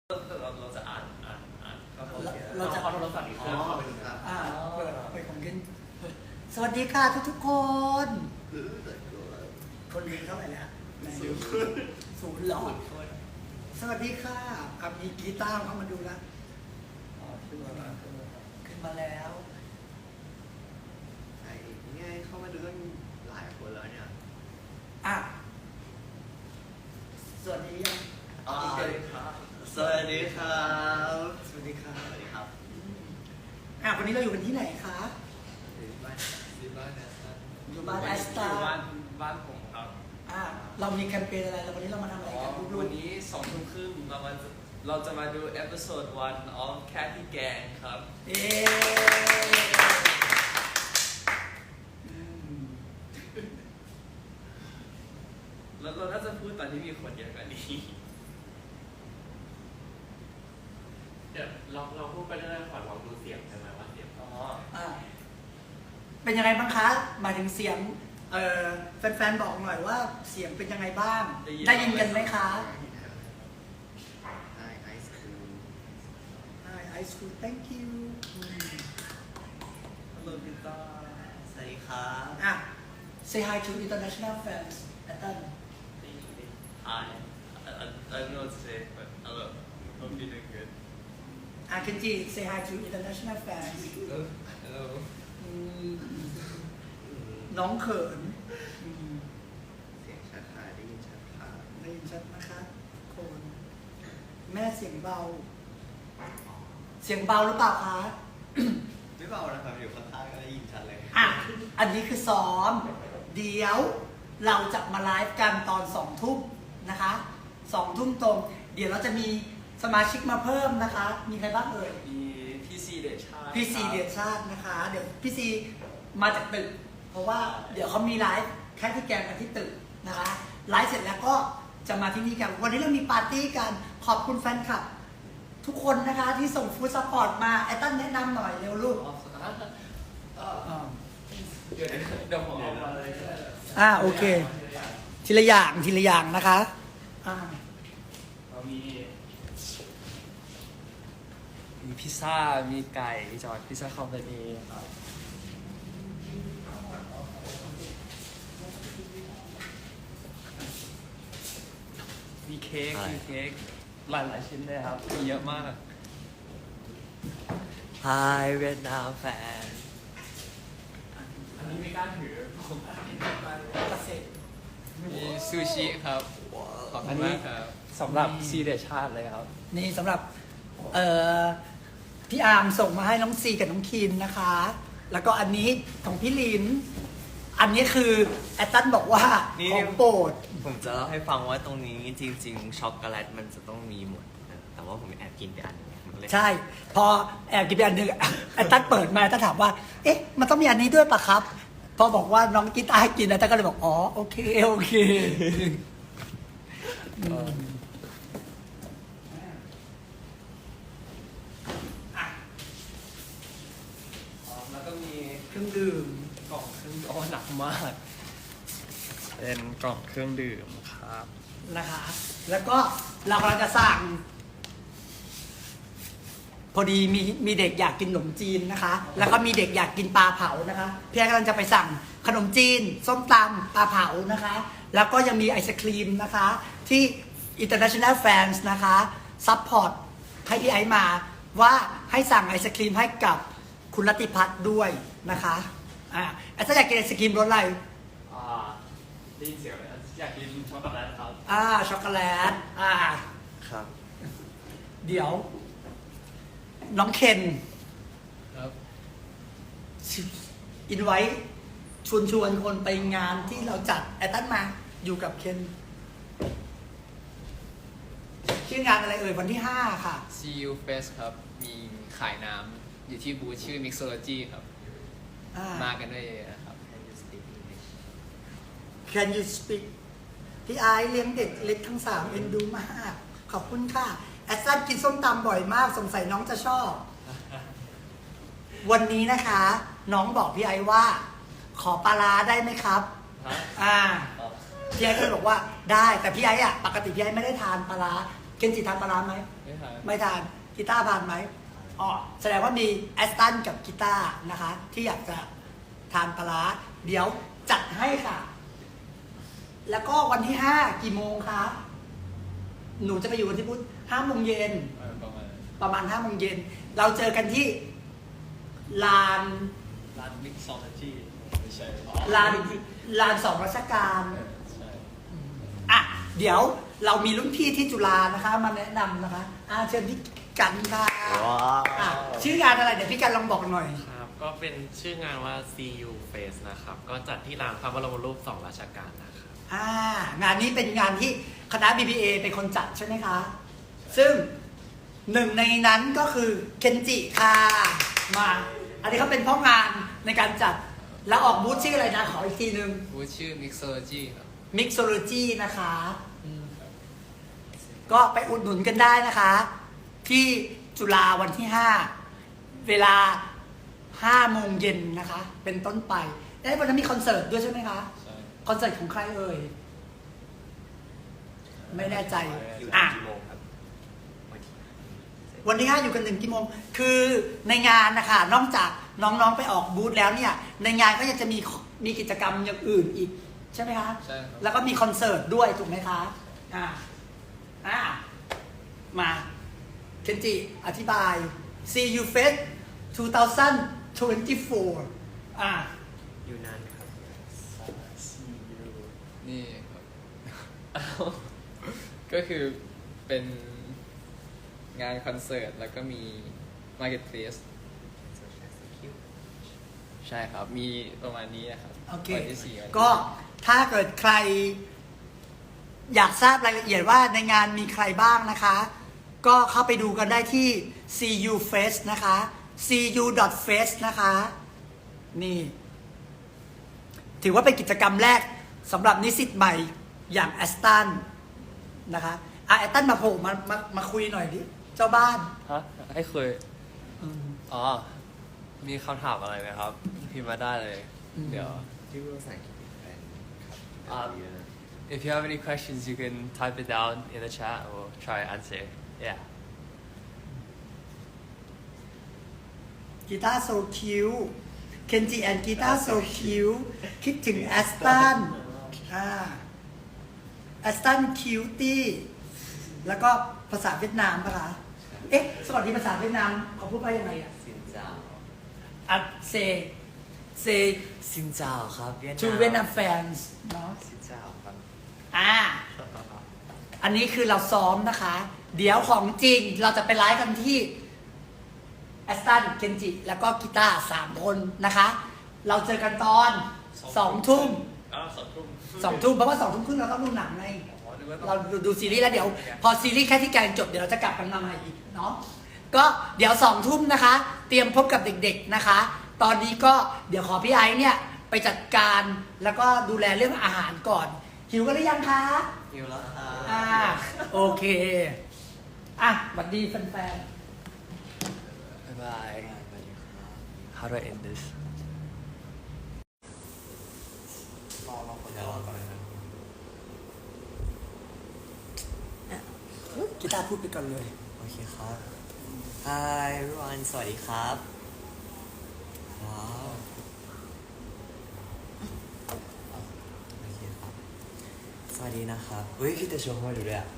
เราจะอ่านครับเราจะเอาโทรศัพท์อีกเครื่องเข้าไปดูนะเปิดของกินสวัสดีค่ะทุกคนคนเรียนเท่าไหร่แล้วศูนย์หลอดสวัสดีค่ะกับมีกีตาร์เข้ามาดูแล้วขึ้นมาแล้วไอ้ง่ายเข้ามาดูตั้งหลายคนแล้วเนี่ยสวัสดียังสวัสดีครับสวัสดีครับสวัสดีค่ะสวัสดีครับวันนี้เราอยู่กันที่ไหนคะอยู่บ้านแอสตาบ้านผมครับเรามีแคมเปญอะไรแล้ววันนี้เรามาทำอะไรกันวันนี้2 ทุ่มครึ่งเราจะมาดูเอพิโซด1 of Cathy Gang ครับแล้วเราน่าจะพูดตอนที่มีคนเยอะกว่านี้เดี๋ยวเราพูดไปเรื่อยๆก่อนเราดูเสียงใช่ไหมว่าเสียงเป็นยังไงบ้างคะหมายถึงเสียงแฟนๆบอกหน่อยว่าเสียงเป็นยังไงบ้างได้ยินกันไหมคะ Hi Ice Cream Hi Ice Cream Thank you Hello Pita สวัสดีครับ Say hi to international fans Ethan Hi I don't know what to say but hello hope you're doing good Kenji say hi to international fans Hello น้องเขินเสียงชัดค่ะได้ยินชัดค่ะได้ยินชัดนะคะคนแม่เสียงเบาเสียงเบาหรือเปล่าคะไม่เบานะครับอยู่ข้างๆก็ได้ยินชัดเลยอันนี้คือซ้อมเดี๋ยวเราจะมาไลฟ์กันตอน2 ทุ่มนะคะ2 ทุ่มตรงเดี๋ยวเราจะมีสมาชิกมาเพิ่มนะคะมีใครบ้างเอ่ยมีพี่ซีเดชาติพี่ซีเดชาตินะคะเดี๋ยวพี่ซีมาจากตึกเพราะว่าเดี๋ยวเขามีไลฟ์แค่ที่แกงกันที่ตึกนะคะไลฟ์เสร็จแล้วก็จะมาที่นี่กันวันนี้เรามีปาร์ตี้กันขอบคุณแฟนคลับทุกคนนะคะที่ส่งฟู้ดซัพพอร์ตมาไอ้ตั้นแนะนำหน่อยเร็วลูกเดี๋ยวผมเอามาเลยโอเคทีละอย่างนะคะเรามีพิซซ่ามีไก่จอดพิซซ่าคอมพานีครับมีเค้กหลายชิ้นเลยครับมีเยอะมาก Hi Vietnam fan อันนี้ไม่กล้าถือผมมีซูชิครับขอบคุณมากครับสำหรับซีเดชาติเลยครับนี่สำหรับพี่อาร์มส่งมาให้น้องซีกับน้องคินนะคะแล้วก็อันนี้ของพี่ลินอันนี้คือแอตตันบอกว่าของโปรดผมจะเล่าให้ฟังว่าตรงนี้จริงๆช็อกโกแลตมันจะต้องมีหมดแต่ว่าผมแอบกินไปอันนึงใช่พอแอบกินไปอันนึงแอตตันเปิดมาแอตตันถามว่าเอ๊ะมันต้องมีอันนี้ด้วยปะครับพอบอกว่าน้องกินกินแอตตันก็เลยบอกอ๋อโอเคแล้วก็มีเครื่องดื่มกล่องเครื่องหนักมากเป็นกล่องเครื่องดื่มครับนะคะแล้วก็เรากำลังจะสั่งพอดีมีเด็กอยากกินขนมจีนนะคะแล้วก็มีเด็กอยากกินปลาเผานะคะพี่แอ๊กำลังจะไปสั่งขนมจีนส้มตำปลาเผานะคะแล้วก็ยังมีไอศครีมนะคะที่ international fans นะคะซัพพอร์ตให้พี่ไอซ์มาว่าให้สั่งไอศครีมให้กับคุณรัติพัฒน์ด้วยนะคะไอ้ถ้าอยากกินไอศครีมรสอะไรได้ยินเสียงเลยอยากกินช็อกโกแลตครับช็อกโกแลตครับเดี๋ยวน้องเคนครับอินไว้ชวนคนไปงานที่เราจัดแอตตันมาอยู่กับเคนชื่องานอะไรเอ่ยวันที่5ค่ะ See You Fest ครับมีขายน้ำอยู่ที่บูธชื่อ Mixology ครับมากันด้วยนะครับ Can you speak พี่ไอซ์เลี้ยงเด็กเล็กทั้ง3เอ็นดูมากขอบคุณค่ะแอสซันกินส้มตำบ่อยมากสงสัยน้องจะชอบวันนี้นะคะน้องบอกพี่ไอซ์ว่าขอปลาร้าได้ไหมครับพี่ไอซ์ก็เลยบอกว่าได้แต่พี่ไอซ์ปกติพี่ไอซ์ไม่ได้ทานปลาร้าเกคนจิทานปลาร้าไหมไม่ทานไม่ทานกีตาร์ทานไหมอ๋อแสดงว่ามีแอสตันกับกีตาร์นะคะ ที่อยากจะทานปลาร้าเดี๋ยวจัดให้ค่ะ แล้วก็วันที่ 5 กี่โมงคะหนูจะไปอยู่วันที่พุธ5 โมงเย็นประมาณประมาณ5 โมงเย็นเราเจอกันที่ลานร้านมิกซอลจีไม่ใช่ลานสองราชการใช่อ่ะเดี๋ยวเรามีรุ่นพี่ที่จุฬานะคะ มาแนะนำนะคะเชิญพี่กันค่ะว้าวอ่ะชื่องานอะไรเดี๋ยวพี่กันลองบอกหน่อยครับก็เป็นชื่องานว่า CU Face นะครับ ก็จัดที่ลานพระบรมรูป2ราชการนะครับงานนี้เป็นงานที่คณะ BBA เป็นคนจัดใช่ไหมคะ ซึ่งหนึ่งในนั้นก็คือเคนจิค่ะมา อันนี้เขาเป็นพ่องานในการจัดแล้วออกบูธชื่ออะไรนะขออีกทีหนึ่งบูธชื่อ Mixology ครับ Mixology นะคะก็ไปอุดหนุนกันได้นะคะ ที่จุฬาวันที่ 5 เวลา 5 โมงเย็นนะคะ เป็นต้นไปได้วันนั้นมีคอนเสิร์ตด้วยใช่ไหมคะใช่คอนเสิร์ตของใครเอ่ย ไม่แน่ใจอยู่อ่ะกี่โมงครับวันที่ 5 อยู่กันถึงกี่โมง คือในงานนะคะนอกจากน้องๆไปออกบูธแล้วเนี่ย ในงานก็ยังจะมีกิจกรรมอย่างอื่นอีก ใช่ไหมคะใช่ครับแล้วก็มีคอนเสิร์ตด้วยถูกไหมคะมาเคนจิอธิบาย CU Fest 2024 อยู่นานไหมครับนี่ครับ ก็คือเป็นงานคอนเสิร์ตแล้วก็มี Marketplace ใช่ครับ มีประมาณนี้นะครับโอเควันที่4วันที่ก็ถ้าเกิดใครอยากทราบรายละเอียดว่าในงานมีใครบ้างนะคะ ก็เข้าไปดูกันได้ที่ CU Fest นะคะ cu.fest นะคะ นี่ ถือว่าเป็นกิจกรรมแรกสำหรับนิสิตใหม่อย่างแอสตันนะคะแอสตันมาโผล่มาคุยหน่อยดิ เจ้าบ้านฮะให้คุยอ๋อ มีคำถามอะไรไหมครับ พิมพ์มาได้เลย เดี๋ยวที่พูดภาษาอังกฤษเป็นแฟนครับ if you have any questions you can type it down in the chat and we'll try to answer yeah กีตาร์โซคิวเคนจิแอนกีตาร์โซคิวคิดถึงแอสตันแอสตันคิวตี้แล้วก็ภาษาเวียดนามปะคะเอ๊ะสวัสดีภาษาเวียดนามเขาพูดว่ายังไงอ่ะซินเจ้าอ่ะเซซินเจ้าครับเวียดนาม to Vietnam fans เนาะซินเจ้าครับอันนี้คือเราซ้อมนะคะ เดี๋ยวของจริงเราจะไปไลฟ์กันที่แอสตันเคนจิแล้วก็กีตาร์3 คนนะคะ เราเจอกันตอน2 ทุ่ม 2 ทุ่มเพราะว่า2 ทุ่มครึ่งเราต้องดูหนังไง เราดูซีรีส์แล้วเดี๋ยว พอซีรีส์แค่ที่แกงจบเดี๋ยวเราจะกลับกันมาใหม่อีกเนาะก็เดี๋ยว2 ทุ่มนะคะ เตรียมพบกับเด็กๆนะคะ ตอนนี้ก็เดี๋ยวขอพี่ไอซ์เนี่ยไปจัดการแล้วก็ดูแลเรื่องอาหารก่อน หิวกันหรือยังคะหิวแล้วครับโอเคสวัสดีแฟน bye bye how do I end this รอคนเดียวก่อนนะครับๆกีตาร์พูดไปก่อนเลยโอเคครับ Hi everyone สวัสดีครับว้าวโอเคครับ สวัสดีนะครับเฮ้ยพี่แต่ชวนเข้ามาดูด้วยอ่ะ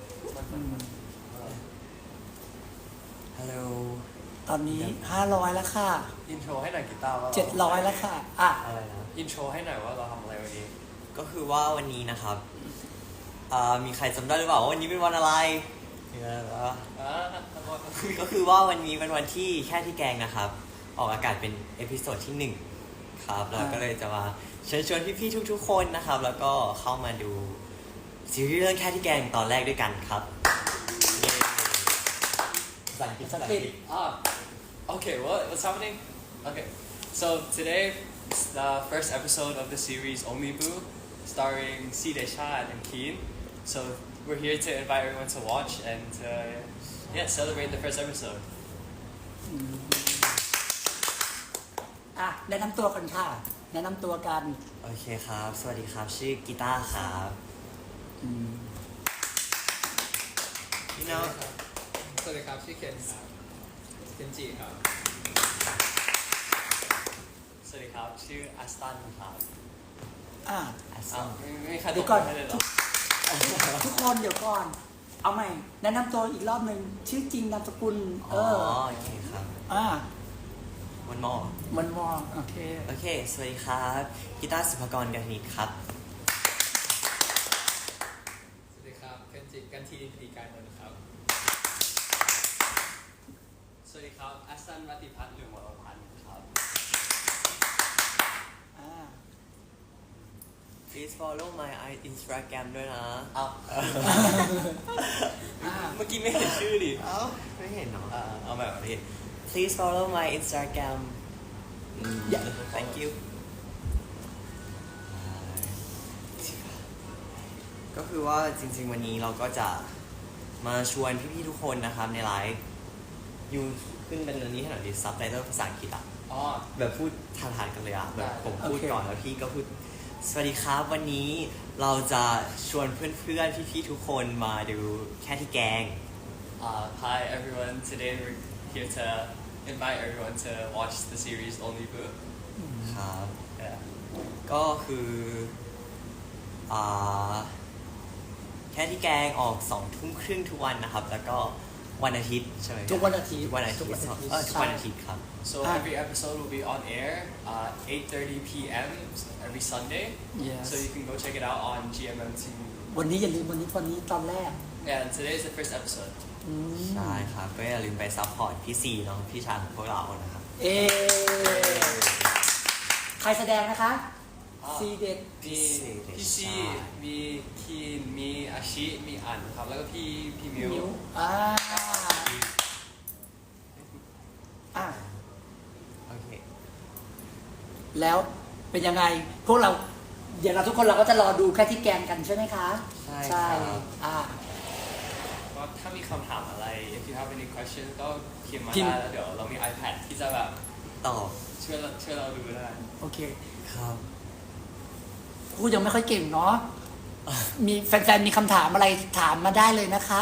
ฮัลโหลตอนนี้500แล้วค่ะอินโทรให้หน่อยกีตาร์ว่า 700แล้วค่ะอะไรนะอินโทรให้หน่อยว่าเราทำอะไรวันนี้ก็คือว่าวันนี้นะครับมีใครจำได้หรือเปล่าว่าวันนี้เป็นวันอะไรมีอะไรบ้างก็คือว่าวันนี้เป็นวันที่แค่ที่แกงนะครับ ออกอากาศเป็นเอพิโซดที่ 1 ครับ แล้วก็เลยจะมาเชิญชวนพี่ๆทุกๆคนนะครับ แล้วก็เข้ามาดูซีรีส์เรื่องแค่ที่แกงตอนแรกด้วยกันครับเย้ภาษาอังกฤษ Okay, what's happening? Okay, so today is the first episode of the series Omibu, starring Si Desha and Keen. So we're here to invite everyone to watch and celebrate the first episode. แนะนำตัวกันค่ะ แนะนำตัวกันโอเคครับ สวัสดีครับ ชื่อกีตาร์ครับ you know สวัสดีครับชื่อเคนครับเคนจิครับสวัสดีครับชื่ออัสตันครับอ่าอ้าวไม่มีใครเดี๋ยวก่อนให้เลยเหรอทุกคนเดี๋ยวก่อน เอาใหม่แนะนำตัวอีกรอบหนึ่งชื่อจริงนามสกุลอ๋อโอเคครับอ่าวันมอมันมองโอเคโอเค สวัสดีครับกีตาร์สุภกรกันนิตครับสวัสดีครับเคนจิกันทีพิธีการนนท์ครับสวัสดีครับอัสตันรัตติพัฒน์หรือหมอพันธ์ครับอ่า please follow my Instagram ด้วยนะอ้าวอ่าเมื่อกี้ไม่เห็นชื่อดิเอ้าไม่เห็นเนาะเอาแบบนี้ please follow my Instagram thank you ก็คือว่าจริงๆวันนี้เราก็จะมาชวนพี่ๆทุกคนนะครับในไลฟ์ยูขึ้นเป็นอันนี้ให้หน่อยดิซับไตเติลภาษาอังกฤษอ่ะอ๋อแบบพูดทานๆกันเลยอ่ะแบบผมพูดโอเคก่อนแล้วพี่ก็พูดสวัสดีครับวันนี้เราจะชวนเพื่อนๆพี่ๆทุกคนมาดูแค่ที่แกง Hi everyone today we're here to invite everyone to watch the series Only Boo ครับ yeah ก็คืออ่าแค่ที่แกงออก20:30ทุกวันนะครับ แล้วก็วันอาทิตย์ใช่ไหมทุกวันอาทิตย์ทุกวันอาทิตย์ทุกวันอาทิตย์ทุกวันอาทิตย์ครับ so every episode will be on air 8:30 p.m. every Sunday Yes. so you can go check it out on GMM TV วันนี้อย่าลืมวันนี้ตอนแรก and today is the first episode อืมใช่ครับ ก็อย่าลืมไปซัพพอร์ตพี่ซีเนาะพี่ชายของพวกเรานะครับเอใครแสดงนะคะอ่าซีเด็ดมีพี่ซีมีคีนมีอาชิมีอันครับแล้วก็พี่มิวอ่าอ่าโอเคแล้วเป็นยังไง พวกเรา เดี๋ยวเราทุกคนเราก็จะรอดูแค่ที่แกงกันใช่ไหมคะใช่ครับอ่าก็ถ้ามีคำถามอะไร if you have any question ก็พิมพ์มาพิมพ์ได้แล้วเดี๋ยวเรามี iPad ที่จะแบบตอบช่วยเราดูได้โอเคครับพูดยังไม่ค่อยเก่งเนาะ มีแฟนๆ มีคำถามอะไรถามมาได้เลยนะคะ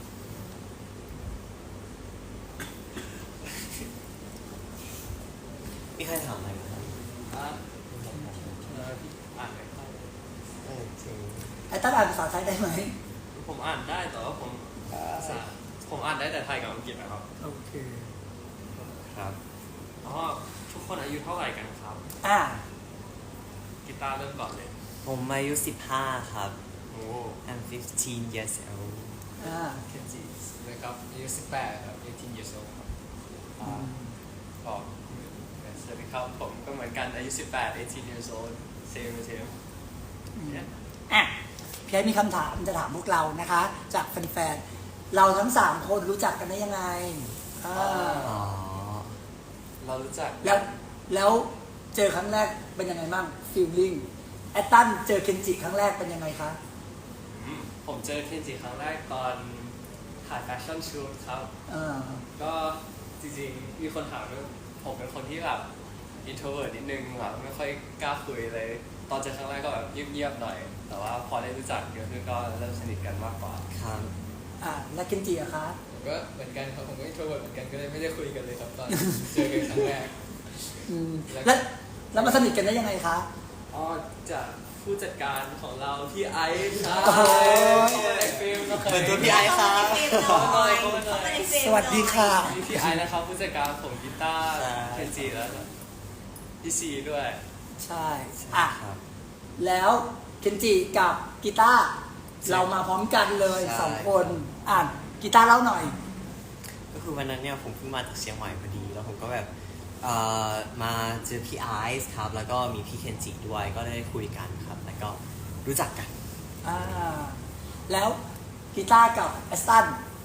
มีใครถามอะไรไหมครับอ่ะพี่อ่านไม่ค่อยจริงไอ้ตั้งอ่านภาษาไทยได้ไหมผมอ่านได้แต่ว่าผมอ่านได้แต่ไทยกับอังกฤษนะครับโอเคครับอ๋อทุกคนอายุเท่าไหร่กันครับอ่ากีตาร์เริ่มก่อนเลยผมอายุ15ครับโอ้ I'm 15 years old อ่าเคนจินะครับอายุ18ครับ18 years old ครับบอกสวัสดีครับผมก็เหมือนกันอายุ18 18 years old same as him อ่ะพี่ไอ้มีคำถามจะถามพวกเรานะคะ จากแฟนๆ เราทั้ง3คนรู้จักกันได้ยังไงอ่าอ๋อเรารู้จักแล้วเจอครั้งแรกเป็นยังไงบ้างฟีลลิ่งแอตตันเจอเคนจิครั้งแรกเป็นยังไงคะผมเจอเคนจิครั้งแรกตอนถ่ายแฟชั่นชูตครับอ่าก็จริงๆ มีคนถามด้วยผมเป็นคนที่แบบ introvert นิดนึงแบบไม่ค่อยกล้าคุยเลย ตอนเจอครั้งแรกก็แบบเงียบๆหน่อย แต่ว่าพอได้รู้จักเยอะขึ้นก็เริ่มสนิทกันมากกว่าครับแล้วเคนจิอะคะผมก็เหมือนกันครับผมก็ introvert เหมือนกันก็เลยไม่ได้คุยกันเลยครับตอนเจอกันครั้งแรกอืมแล้วมาสนิทกันได้ยังไงคะอ๋อจากผู้จัดการของเราพี่ไอซ์ครับโอ้โหในฟิล์มนะครัเปิดตัวพี่ไอซ์ครับสวัสดีค่ะมีพี่ไอซ์นะครับผู้จัดการของกีตาร์ใช่เคนจิแล้วก็พี่ซีด้วยใช่อ่ะครับแล้วเคนจิกับกีตาร์เรามาพร้อมกันเลยใช่ 2 คนอ่านกีตาร์เล่าหน่อยก็คือวันนั้นเนี่ยผมเพิ่งมาจากเชียงใหม่พอดี แล้วผมก็แบบมาเจอพี่ไอซ์ครับ แล้วก็มีพี่เคนจิด้วย ก็ได้คุยกันครับ แล้วก็รู้จักกันอ่า แล้วกีตาร์กับแอสตัน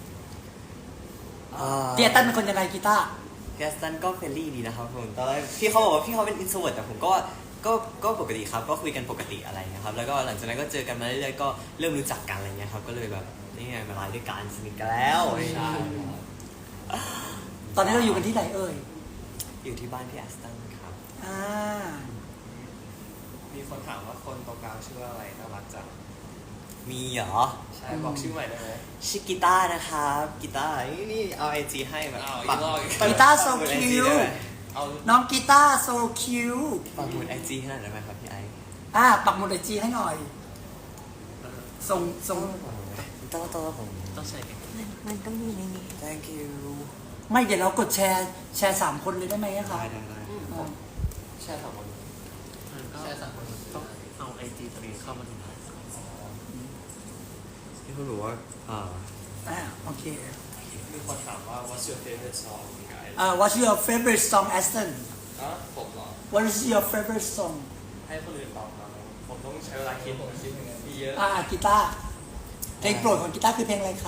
พี่แอสตันเป็นคนยังไงกีตาร์แกสตันก็เฟรนลี่ดีนะครับผมตอนแรกพี่เขาบอกว่าพี่เขาเป็นอินโทรเวิร์ตแต่ผมก็ปกติครับ ก็คุยกันปกติอะไรเงี้ยครับ แล้วก็หลังจากนั้นก็เจอกันมาเรื่อยๆ ก็เริ่มรู้จักกันอะไรเงี้ยครับ ก็เลยแบบนี่ไงมาไลฟ์ด้วยกันสนิทกันแล้วใช่ตอนนี้เราอยู่กันที่ไหนเอ่ยอยู่ที่บ้านพี่แอสตันครับอ่ามีคนถามว่าคนตรงกลางชื่ออะไรน่ารักจังมีเหรอใช่บอกชื่อใหม่ได้ไหมชื่อกีตาร์นะครับกีตาร์นี่เอาไอจีให้แบบอ้าวปักอีกรอบอีกกีตาร์โซปักหมุดคิ IG วได้ไหมเอาน้องกีตาร์โซคิวปักหมุดไอจีให้หน่อยได้ไหมครับพี่ไอซ์ปักหมุดไอจีให้หน่อย ส่งต้องผมต้องใส่กันมันต้องมีในนี้ thank you ไม่เดี๋ยวเรากดแชร์3 คนเลยได้ไหมอะคะได้อ่าแช่สองคนใช่สั่งคนต้องเอาไอจีตัวเองเข้ามาดูที่เขาบอกว่าโอเคมีคนถามว่า what's your favorite song you guys What's your favorite song Aston ผมเหรอ What is your favorite song ให้คนอื่นตอบมาผมต้องใช้เวลาคิดมีเยอะกีตาร์เพลงโปรดของกีตาร์คือเพลงอะไรคะ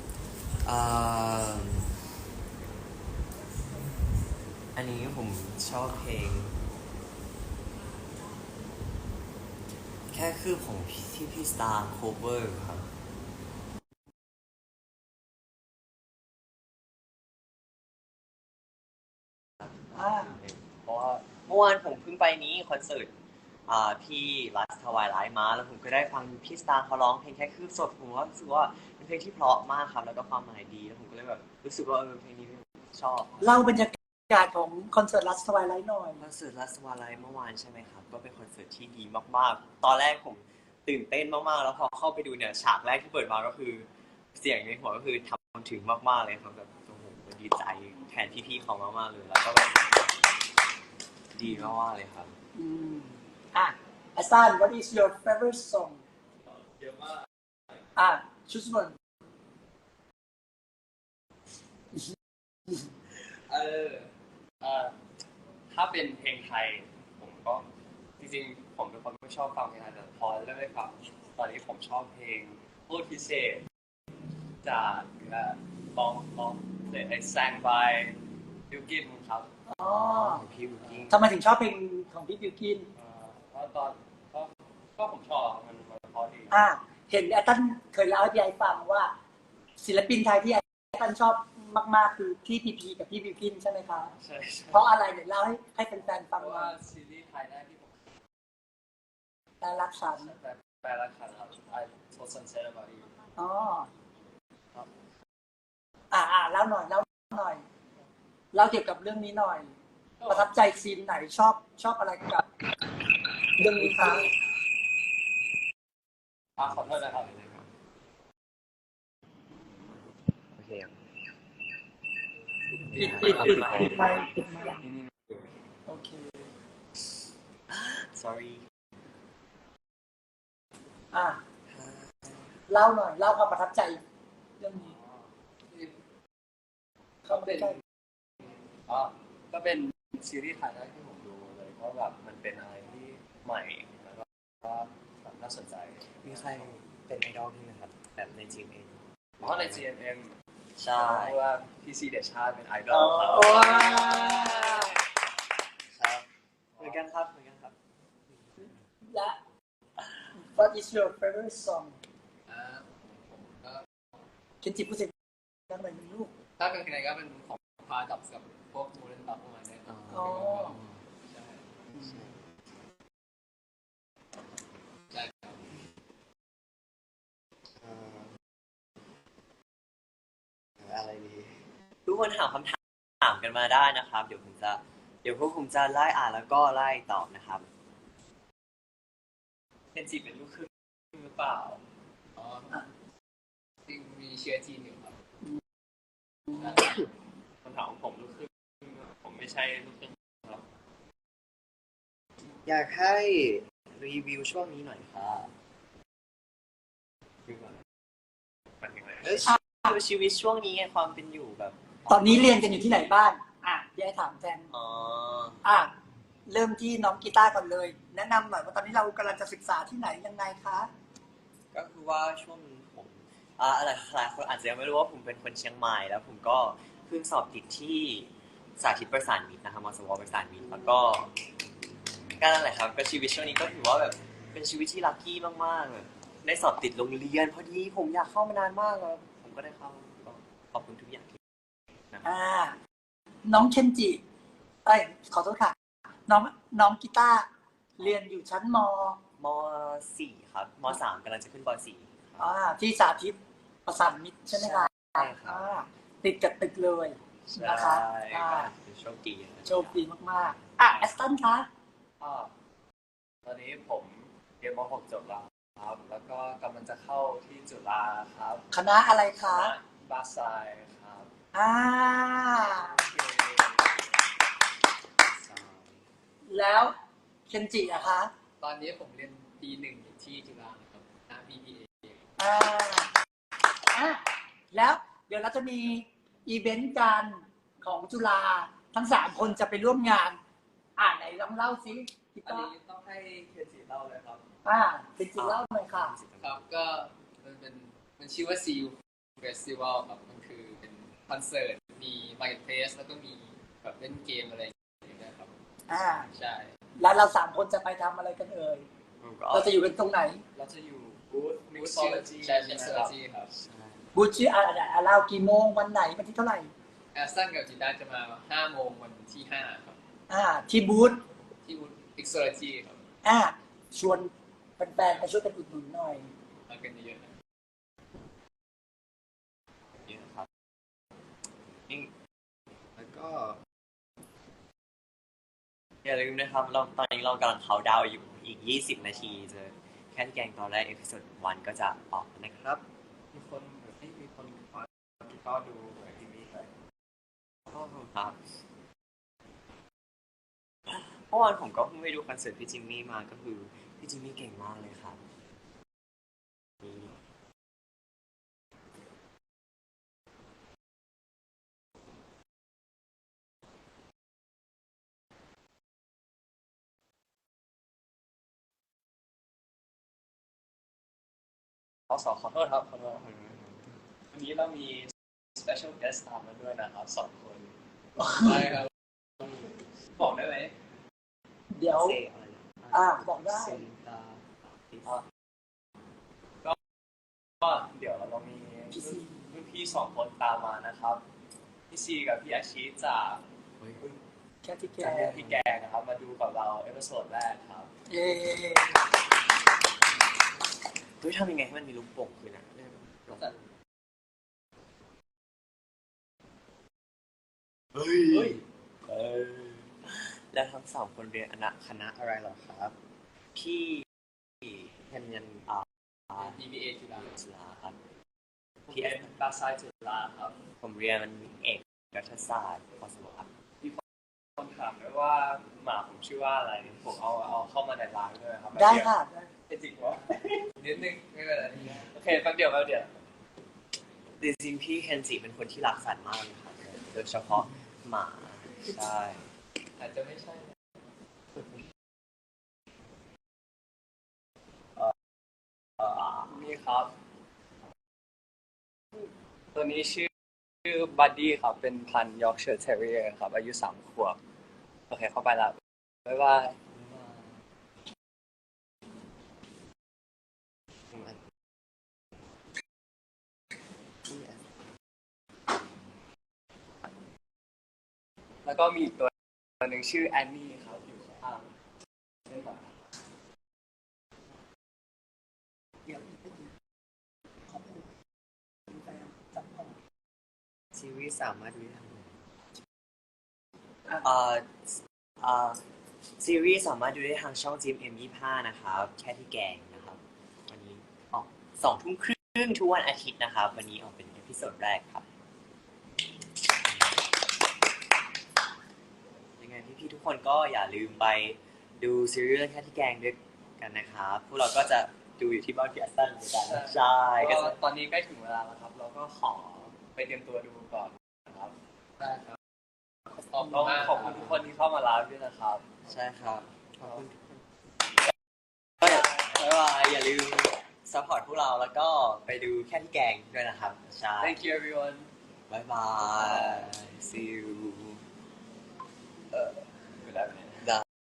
อันนี้ผมชอบเพลง แค่คือของที่พี่สตาร์โคเวอร์ครับ เพราะว่าเมื่อวานผมเพิ่งไปนี้คอนเสิร์ตพี่รัสทวายไลฟ์มาแล้วผมก็ได้ฟังพี่สตาร์เขาร้องเพลงแค่คืบสดผมว่ารู้สึกว่าเป็นเพลงที่เพราะมากครับแล้วก็ความหมายดีแล้วผมก็เลยแบบรู้สึกว่าเพลงนี้ชอบเล่าบรรยากาศของคอนเสิร์ตลัสทวายไลท์หน่อยคอนเสิร์ตรัสวาไลฟ์เมื่อวานใช่ไหมครับก็เป็นคอนเสิร์ตที่ดีมากๆตอนแรกผมตื่นเต้นมากๆแล้วพอเข้าไปดูเนี่ยฉากแรกที่เปิดมาก็คือเสียงในหัวก็คือทำถึงมากๆเลยครับแบบโอ้โหดีใจแทนพี่ๆเขามากๆเลยแล้วก็แบบดีมากๆเลยครับ Aston What is your favorite song เยอะมาก choose one ถ้าเป็นเพลงไทยผมก็จริงๆผมเป็นคนไม่ชอบฟังเพลงไทยแต่พอเริ่มได้ฟังตอนนี้ผมชอบเพลงโคตรพิเศษจากบองไอ้แซงบายบิวกินครับอ๋อของพี่บุกิ้งทำไมถึงชอบเพลงของพี่บิวกินเพราะตอนก็ผมชอบมันเพราะดีเห็นแอตตันเคยเล่าให้พี่ไอฟังว่า ศิลปินไทยที่แอตตันชอบมากๆคือพี่พีพีกับพี่บิวกินใช่ไหมคะใช่เพราะอะไรเดี๋ยวเล่าให้แฟนๆเพฟังราะว่าว่าซีรีส์ไทยได้ที่ผมแต่รักฉันแปลรักฉันครับ I told sunset about you อ๋อครับเล่าหน่อยเล่าเกี่ยวกับเรื่องนี้หน่อย ประทับใจซีนไหนชอบอะไรกับเรื่องนี้คะขอโทษนะครับโอเคครับปิดไมค์โอเค sorry เล่าหน่อยเล่าความประทับใจเรื่องนี้ก็เป็นก็เป็นซีรีส์ไทยแรกที่ผมดูเลยเพราะแบบมันเป็นอะไรที่ใหม่แล้วก็แบบน่าสนใจมีใครเป็นไอดอลที่ไหมครับแบบในจีมเองเพราะใน GMM ใช่เพราะว่าพี่ซีเดชาติเป็นไอดอลครับครับเหมือนกันครับเหมือนกันครับและ What is your favorite song ผมก็เคนจิพูดเสียงดังหน่อยนึงลูกถ้าเป็นเพลงก็เป็นของพาดับกับพวกมูเลนดับประมาณนี้อ๋อใช่ใช่ครับอะไรดีทุกคนถามคำถามกันมาได้นะครับ เดี๋ยวพวกผมจะไล่อ่านแล้วก็ไล่ตอบนะครับเป็นจีเป็นลูกครึ่งหรือเปล่าอ๋อจริงมีเชื้อจีนอยู่ครับคำถามของผมลูกครึ่งผมไม่ใช่ลูกครึ่งครับอยากให้รีวิวช่วงนี้หน่อยค่ะมันยังไงชีวิตช่วงนี้ไงความเป็นอยู่แบบตอนนี้เรียนกันอยู่ที่ไหนบ้างพี่ไอ้ถามแทน เริ่มที่น้องกีตาร์ก่อนเลย แนะนำหน่อยว่าตอนนี้เรากำลังจะศึกษาที่ไหนยังไงคะก็คือว่าช่วงนี้ผมหลายคนอาจจะยังไม่รู้ว่าผมเป็นคนเชียงใหม่แล้วผมก็เพิ่งสอบติดที่สาธิตประสานมิตรนะครับมสวประสานมิตรแล้วก็นั่นแหละครับก็ชีวิตช่วงนี้ก็ถือว่าแบบเป็นชีวิตที่ลัคกี้มากๆเลยได้สอบติดโรงเรียนพอดีผมอยากเข้ามานานมากแล้วผมก็ได้เข้าก็ขอบคุณทุกอย่างที่น้องเคนจิขอโทษค่ะ น้องกีตาร์เรียนอยู่ชั้นมม.4 ครับม.3 กำลังจะขึ้นป .4 ที่สาธิตประสานมิตรใช่ไหมคะใช่ครับติดกับตึกเลยนะคะใช่ก็โชคดีนะโชคดีมากๆแอสตันคะตอนนี้ผมเรียนม .6 จบแล้วครับ แล้วก็กำลังจะเข้าที่จุฬาครับคณะอะไรคคะณะบาไซครับอ่าแล้วเคนจิอะคะตอนนี้ผมเรียนปีหนึ่งอยู่ที่จุฬาครับคณะ BBA อ่าแล้วเดี๋ยวเราจะมีอีเวนต์การของจุฬาทั้ง3คนจะไปร่วมงานไหนลองเล่าซิพี่อันต้อนี้ต้องให้เคนจิเล่าเลยครับเป็นจิเล่าหน่อยค่ะครับก็มันชื่อว่า CU Festival ครับมันคือเป็นคอนเสิร์ตมี Marketplace แล้วก็มีแบบเล่นเกมอะไรอย่างเงี้ยครับใช่แล้วเรา3คนจะไปทำอะไรกันเอ่ย เราจะอยู่กันตรงไหนเราจะอยู่บูธ Mixology ใช่ Mixology ครับบูธชื่อเรากี่โมงวันไหนวันที่เท่าไหร่แอสตันกับจินดาจะมา 5 โมงวันที่ 5 ครับที่บูธที่บูธ Mixology ครับชวนแฟนๆไปช่วยกันอุดหนุนหน่อยมากันเยอะๆนะนี่นะครับนี่แล้วก็อย่าลืมนะครับตอนนี้เรากำลังเขาน์ดาวน์อยู่อีก 20 นาทีจะแค่แกงตอนแรกเอพิโซด1ก็จะออกนะครับมีคนก็ดูเหมือนที่นี่เลยขอบคุณครับเมื่อวานผมก็เพิ่งไปดูคอนเสิร์ตพี่จิมมี่มาก็คือพี่จิมมี่เก่งมากเลยครับขอโทษครับวันนี้เรามี special guest ตามมาด้วยนะครับ2 คนได้ครับ บอกได้ไหมเดี๋ยวเซอะไรนะบอกได้เซนตาก็เดี๋ยวเรามีรุ่นพี่2 คนตามมานะครับพี่ซีกับพี่อาชิจากแค่ที่แกจากเรื่องพี่แกงนะครับมาดูกับเราเอพิโซดแรกครับเย้เฮ้ยทำยังไงให้มันมีลูกโป่งคืนอ่ะเฮ้ยแล้วทั้ง3 คนเรียนคณะอะไรเหรอครับพี่เรียน BBA จุฬาจุฬาครับพี่เอ็มบาไซจุฬาครับผมเรียนเอกรัฐศาสตร์พศครับคนถามด้วยว่าหมาผมชื่อว่าอะไรผมเอาเข้ามาในไลน์ด้วยครับได้ค่ะจริงวะนิดนึงไม่เป็นไรโอเคแป๊บเดียวจริงๆพี่เคนจิเป็นคนที่รักสัตว์มากเลยครับโดยเฉพาะหมาใช่อาจจะไม่ใช่นี่ครับ ตัวนี้ชื่อบัดดี้ครับเป็นพันธุ์ยอร์กเชียร์เทเรียร์ครับอายุ3 ขวบโอเคเข้าไปแล้วบ๊ายบายแล้วก็มีอีกตัวหนึ่งชื่อแอนนี่ครับอยู่ข้างเล่นต่อเดี๋ยวขอบคุณแฟนจับของซีรีส์สามารถดูได้ทางซีรีส์สามารถดูได้ทางช่อง GMM25 นะครับแค่ที่แกงนะครับวันนี้ออก2 ทุ่มครึ่งทุกวันอาทิตย์นะครับวันนี้ออกเป็นเอพิโซดแรกครับยังไงพี่ๆทุกคนก็อย่าลืมไปดูซีรีส์เรื่องแค่ที่แกงด้วยกันนะครับพวกเราก็จะดูอยู่ที่บ้านพี่แอสตันเหมือนกันใช่ก็ตอนนี้ใกล้ถึงเวลาแล้วครับ เราก็ขอไปเตรียมตัวดูก่อนนะครับได้ครับต้องขอบคุณทุกคนที่เข้ามาไลฟ์ด้วยนะครับใช่ครับขอบคุณทุกคนก็บ๊ายบายอย่าลืมซัพพอร์ตพวกเราแล้วก็ไปดูแค่ที่แกงด้วยนะครับใช่ Thank you everyone บ๊ายบาย see you เวลาเป็น